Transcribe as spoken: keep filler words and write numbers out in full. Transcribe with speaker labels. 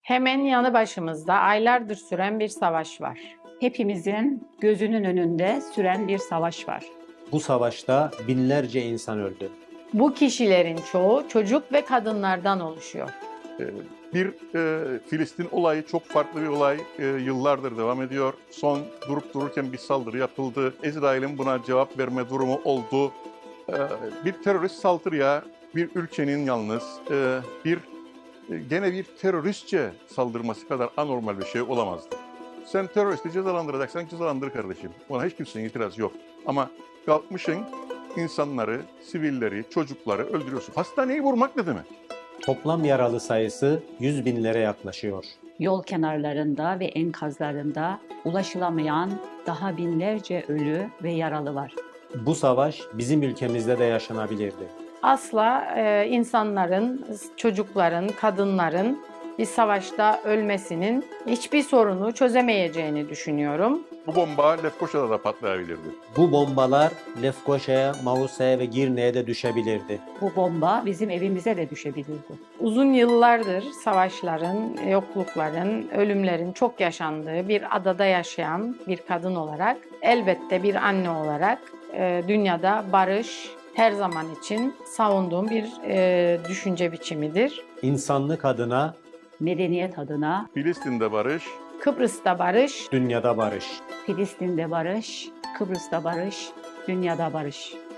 Speaker 1: Hemen yanı başımızda aylardır süren bir savaş var.
Speaker 2: Hepimizin gözünün önünde süren bir savaş var.
Speaker 3: Bu savaşta binlerce insan öldü.
Speaker 1: Bu kişilerin çoğu çocuk ve kadınlardan oluşuyor.
Speaker 4: Bir e, Filistin olayı çok farklı bir olay. E, yıllardır devam ediyor. Son durup dururken bir saldırı yapıldı. İsrail'in buna cevap verme durumu oldu. E, bir terörist saldırıya bir ülkenin yalnız e, bir e, gene bir teröristçe saldırması kadar anormal bir şey olamazdı. Sen teröristi cezalandıracaksan cezalandır kardeşim. Ona hiç kimsenin itirazı yok. Ama kalkmışsın insanları, sivilleri, çocukları öldürüyorsun. Hastaneyi vurmak ne demek?
Speaker 3: Toplam yaralı sayısı yüz binlere yaklaşıyor.
Speaker 2: Yol kenarlarında ve enkazlarında ulaşılamayan daha binlerce ölü ve yaralı var.
Speaker 3: Bu savaş bizim ülkemizde de yaşanabilirdi.
Speaker 1: Asla e, insanların, çocukların, kadınların bir savaşta ölmesinin hiçbir sorunu çözemeyeceğini düşünüyorum.
Speaker 4: Bu bomba Lefkoşa'da da patlayabilirdi.
Speaker 3: Bu bombalar Lefkoşa'ya, Mausa'ya ve Girne'ye de düşebilirdi.
Speaker 2: Bu bomba bizim evimize de düşebilirdi.
Speaker 1: Uzun yıllardır savaşların, yoklukların, ölümlerin çok yaşandığı bir adada yaşayan bir kadın olarak, elbette bir anne olarak e, dünyada barış her zaman için savunduğum bir e, düşünce biçimidir.
Speaker 3: İnsanlık adına
Speaker 2: Medeniyet adına
Speaker 4: Filistin'de barış,
Speaker 1: Kıbrıs'ta barış,
Speaker 3: dünyada barış.
Speaker 2: Filistin'de barış, Kıbrıs'ta barış, dünyada barış.